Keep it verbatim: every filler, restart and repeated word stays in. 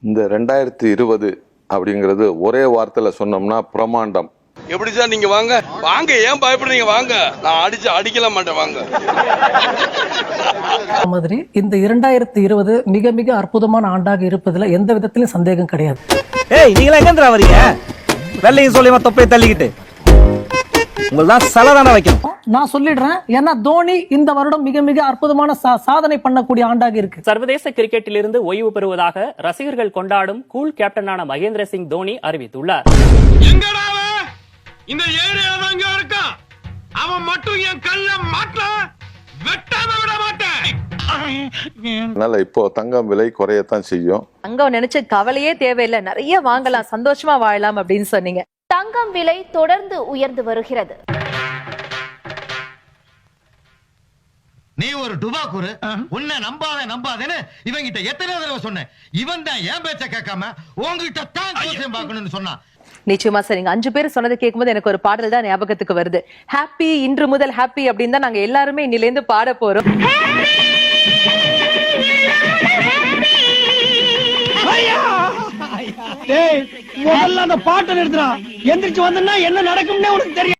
இந்த ரெண்டாயிரத்தி இருபது அப்படிங்கிறது ஒரே வார்த்தையில சொன்னோம்னா பிரமாண்டம். எப்படி சார் நீங்க வாங்க வாங்க, ஏன் பயப்படுறீங்க? வாங்க, நான் அடிச்சு அடிக்கல மாட்டேன், வாங்க. மாதிரி இந்த இரண்டாயிரத்தி இருபது மிக மிக அற்புதமான ஆண்டாக இருப்பதுல எந்த விதத்திலும் சந்தேகம் கிடையாது. ஏய், நீங்களா எங்கன்றா வரீங்க? வெள்ளையும் சொல்லியமா தொப்பையை தள்ளிக்கிட்டு உங்கள்தான் சலதான வைக்கணும். நான் சொல்லிடுறேன், ஏன்னா தோனி இந்த வருடம் மிக மிக அற்புதமான சாதனை பண்ணக்கூடிய ஆண்டாக இருக்கு. சர்வதேச கிரிக்கெட்டில் இருந்து ஓய்வு பெறுவதாக ரசிகர்கள் கொண்டாடும் கூல் கேப்டனான மகேந்திர சிங் தோனி அறிவித்துள்ளார். இந்த ஏரியால அங்க இருக்கா, அவன் மட்டும் என் கல்ல மாட்ட வெட்டாம விட மாட்டேன். அதனால இப்போ தங்கம் விலை குறையத்தான் செய்யும். தங்கம் நினைச்சு கவலையே தேவையில்லை, நிறைய வாங்கலாம், சந்தோஷமா வாழலாம் அப்படின்னு சொன்னீங்க. தங்கம் விலை தொடர்ந்து உயர்ந்து வருகிறது. நீ ஒரு டுபாக்கூரு, உன்னை நம்பாத நம்பாதேன்னு இவங்கிட்ட எத்தனை தடவை சொன்னேன். இவன் தான் என் பேச்ச கேட்காம உங்ககிட்ட தான் ஜோசியம் பார்க்கணும்னு சொன்னான். நிச்சயமா சார், நீங்க அஞ்சு பேர் சொன்னதை கேட்கும்போது எனக்கு ஒரு பாடல் தான் ஞாபகத்துக்கு வருது. ஹாப்பி இன்று முதல் ஹாப்பி அப்படின்னு தான் நாங்க எல்லாருமே இன்னிலேருந்து பாட போறோம். அந்த பாட்டை நிறுத்துறான், எந்திரிச்சு வந்தா என்ன நடக்கும்னே உனக்கு தெரியும்.